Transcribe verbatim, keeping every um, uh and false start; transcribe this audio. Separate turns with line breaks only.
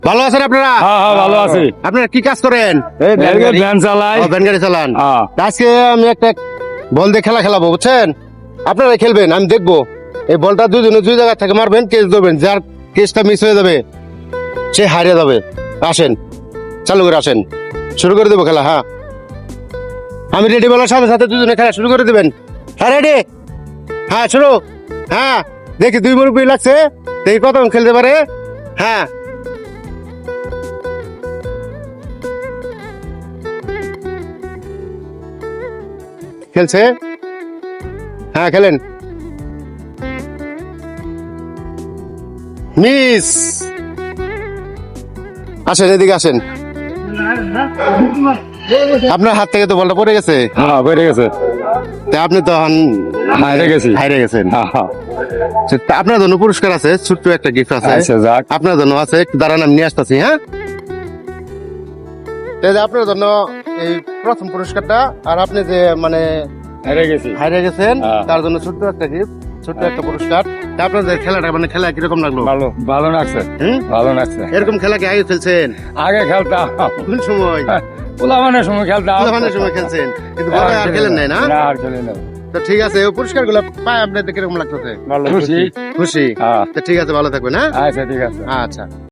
ভালো আছেন আপনারা?
হ্যাঁ হ্যাঁ ভালো আছি।
আপনারা কি কাজ করেন?
এই ভ্যান- ভ্যান চালাই।
ও, ভ্যান গাড়ি চালান।
হ্যাঁ।
আজকে আমি একটা বল দিয়ে খেলা খেলাবো, বুঝছেন? আপনারা খেলবেন, আমি দেখবো। এই বলটা দুজনে দুই জায়গা থেকে মারবেন, কেস দেবেন। যার কেসটা মিস হয়ে যাবে সে হারিয়ে যাবে। আসেন, চালু করে আসেন, শুরু করে দেবো খেলা। হ্যাঁ, আমি রেডি বলার সাথে সাথে দুজনে খেলা শুরু করে দেবেন। হ্যাঁ, রেডি? হ্যাঁ, শুরু। হ্যাঁ, দেখি দুই মুরব্বী লাগছে, দেখি কতক্ষণ খেলতে পারে। হ্যাঁ, খেলছে। হ্যাঁ, খেলেন। মিস। আসেন, এদিকে আসেন। আপনার হাত থেকে তো বলটা পড়ে গেছে।
হ্যাঁ বেড়ে গেছে।
তা আপনি তো হান-
হাইরে গেছি।
হাইরে গেছেন।
হ্যাঁ, হ্যাঁ।
তা আপনার জন্য পুরস্কার আছে, ছোট্ট একটা গিফট আছে
আচ্ছা যাক।
আপনার জন্য আছে। একটু দাঁড়ান, আমি নিয়ে আসতেছি। হ্যাঁ, এই যে আপনার জন্য এই প্রথম পুরস্কারটা, আর আপনি যে মানে
হাইরে গেছি।
হারিয়ে গেছেন
হ্যাঁ।
তার জন্য ছোট্ট একটা গিফট, ছোট্ট একটা পুরস্কার। তা আপনাদের খেলাটা মানে খেলা কিরকম লাগলো?
ভালো ভালো লাগছে।
হুম?
ভালো লাগছে।
এরকম খেলা কি আগে খেলছেন?
আগে খেলতাম।
কোন সময়?
পোলাবানের সময় খেলতাম।
পোলাপানের সময় খেলছেন, কিন্তু বড় আর খেলেন নাই না?
না আর খেলে না।
তো ঠিক আছে, ওই পুরস্কার গুলো পাই আপনাদের কিরকম লাগতেছে?
ভালো খুশি।
খুশি?
হ্যাঁ
তো ঠিক আছে, ভালো থাকবেন। হ্যাঁ,
আচ্ছা ঠিক আছে।
আচ্ছা।